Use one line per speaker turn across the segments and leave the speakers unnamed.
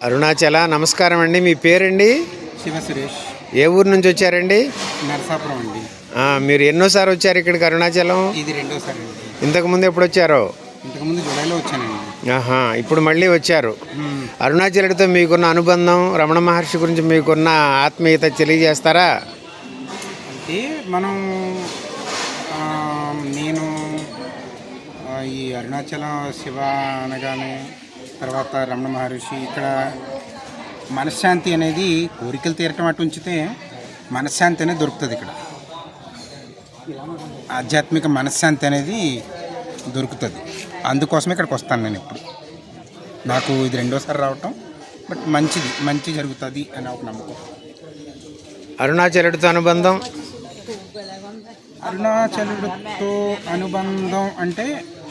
అరుణాచల నమస్కారం అండి. మీ పేరండి?
శివ సురేష్.
ఏ ఊరు నుంచి వచ్చారండి?
నరసాపురం అండి.
మీరు ఎన్నోసారి వచ్చారు ఇక్కడికి అరుణాచలం?
ఇది రెండోసారి అండి.
ఇంతకుముందు ఎప్పుడు వచ్చారో?
ఇంతకుముందు జూలైలో వచ్చానండి.
ఇప్పుడు మళ్ళీ వచ్చారు. అరుణాచలుడితో మీకున్న అనుబంధం, రమణ మహర్షి గురించి మీకున్న ఆత్మీయత తెలియజేస్తారా?
అంటే మనం నేను ఈ అరుణాచలం శివ అనగానే తర్వాత రమణ మహర్షి ఇక్కడ మనశ్శాంతి అనేది కోరికలు తీరటం అటు ఉంచితే మనశ్శాంతి అనేది దొరుకుతుంది. ఇక్కడ ఆధ్యాత్మిక మనశ్శాంతి అనేది దొరుకుతుంది. అందుకోసమే ఇక్కడికి వస్తాను నేను. ఇప్పుడు నాకు ఇది రెండోసారి రావటం, బట్ మంచి జరుగుతుంది అని ఒక నమ్మకం.
అరుణాచలుడితో అనుబంధం
అంటే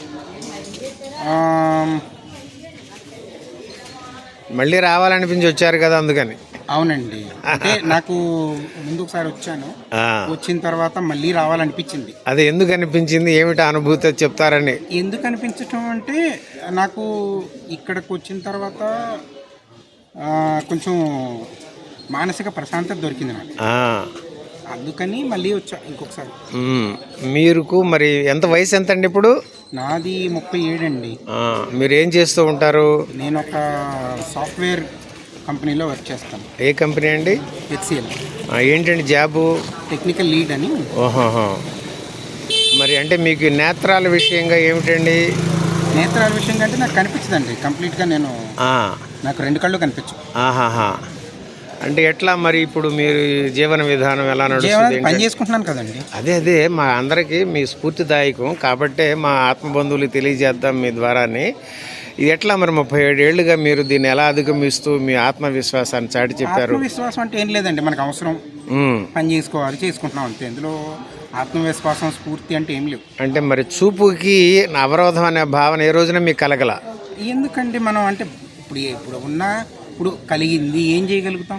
మళ్ళీ రావాలనిపించి వచ్చారు కదా, అందుకని.
అవునండి. అంటే నాకు ముందు ఒకసారి వచ్చాను, వచ్చిన తర్వాత మళ్ళీ రావాలనిపించింది.
అది ఎందుకు అనిపించింది, ఏమిటి అనుభూతి చెప్తారని?
ఎందుకు అనిపించటం అంటే నాకు ఇక్కడికి వచ్చిన తర్వాత కొంచెం మానసిక ప్రశాంతత దొరికింది నాకు. అందుకని మళ్ళీ వచ్చా ఇంకొకసారి.
మీకు మరి ఎంత వయసు ఎంత అండి ఇప్పుడు?
నాది 37 అండి.
మీరు ఏం చేస్తూ ఉంటారు?
నేను ఒక సాఫ్ట్వేర్ కంపెనీలో వర్క్ చేస్తాను.
ఏ కంపెనీ అండి?
HCL.
ఏంటండి జాబు?
టెక్నికల్ లీడ్ అని.
ఓహో. మరి అంటే మీకు నేత్రాల విషయంగా ఏమిటండి?
నేత్రాల విషయంగా అంటే నాకు కనిపించదండి కంప్లీట్గా. నాకు 2 కళ్ళు కనిపించు.
అంటే ఎట్లా మరి ఇప్పుడు మీరు జీవన విధానం ఎలా నడుస్తుంది?
పని చేసుకుంటున్నాను కదండి.
అదే మా అందరికీ మీ స్ఫూర్తిదాయకం కాబట్టే మా ఆత్మబంధువులు తెలియజేద్దాం మీ ద్వారాని. ఇది ఎట్లా మరి 37 ఏళ్ళుగా మీరు దీన్ని ఎలా అధిగమిస్తూ మీ ఆత్మవిశ్వాసాన్ని చాటి చెప్పారు?
ఆత్మవిశ్వాసం అంటే ఏం లేదండి, మనకు అవసరం పని చేసుకోవాలి, చేసుకుంటున్నాం అంతే. ఇందులో ఆత్మవిశ్వాసం స్ఫూర్తి అంటే ఏం లేవు. అంటే
మరి చూపుకి అవరోధం అనే భావన ఏ రోజున మీకు కలగల?
ఎందుకంటే మనం అంటే ఇప్పుడు కలిగింది ఏం చేయగలుగుతాం?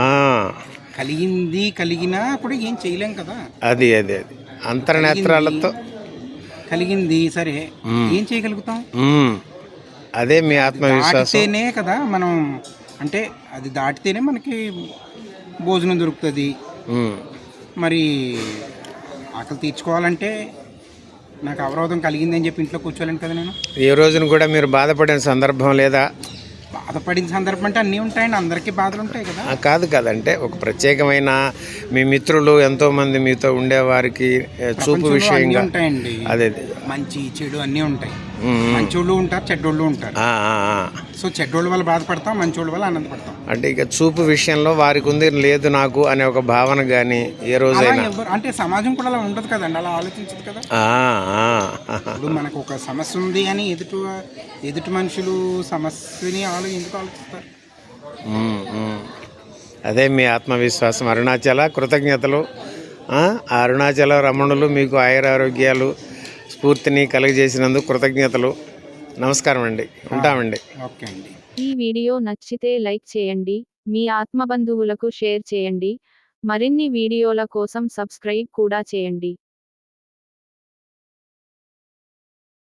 కలిగినా కూడా ఏం చేయలేం కదా.
అది అంతర్నేత్రాలతో
కలిగింది సరే, ఏం చేయగలుగుతాం?
అదే మీ ఆత్మవిశ్వాసమే
కదా. మనం అంటే అది దాటితేనే మనకి భోజనం దొరుకుతుంది. మరి ఆకలి తీర్చుకోవాలంటే నాకు అవరోధం కలిగింది అని చెప్పి ఇంట్లో కూర్చోలేను కదా నేను.
ఏ రోజున కూడా మీరు బాధపడిన సందర్భం లేదా?
బాధపడిన సందర్భం అంటే అన్నీ ఉంటాయండి, అందరికీ బాధలు ఉంటాయి కదా.
కాదంటే ఒక ప్రత్యేకమైన మీ మిత్రులు ఎంతోమంది మీతో ఉండేవారికి చూపు విషయంగా
ఉంటాయండి. అదే మంచి చెడు అన్నీ ఉంటాయి. మంచోళ్ళు ఉంటారు, చెడ్డోళ్ళు ఉంటారు. సో చెడ్డోళ్ళ వల్ల బాధపడతాం, మంచోళ్ళ వల్ల ఆనందపడతాం.
అంటే ఇక చూపు విషయంలో వారికి ఉంది లేదు నాకు అనే ఒక భావన కానీ ఏ రోజైనా
అంటే సమాజం కూడా అలా ఉండదు కదండి, అలా ఆలోచించదు కదా. ఇప్పుడు మనకు ఒక సమస్య ఉంది అని ఎదుటి మనుషులు సమస్యని ఎందుకు ఆలోచిస్తారు?
అదే మీ ఆత్మవిశ్వాసం. అరుణాచల కృతజ్ఞతలు. అరుణాచల రమణులు మీకు ఆయురారోగ్యాలు స్ఫూర్తిని కలుగజేసినందుకు కృతజ్ఞతలు. నమస్కారం అండి, ఉంటామండి.
ఓకే అండి.
ఈ వీడియో నచ్చితే లైక్ చేయండి, మీ ఆత్మబంధువులకు షేర్ చేయండి, మరిన్ని వీడియోల కోసం సబ్స్క్రైబ్ కూడా చేయండి.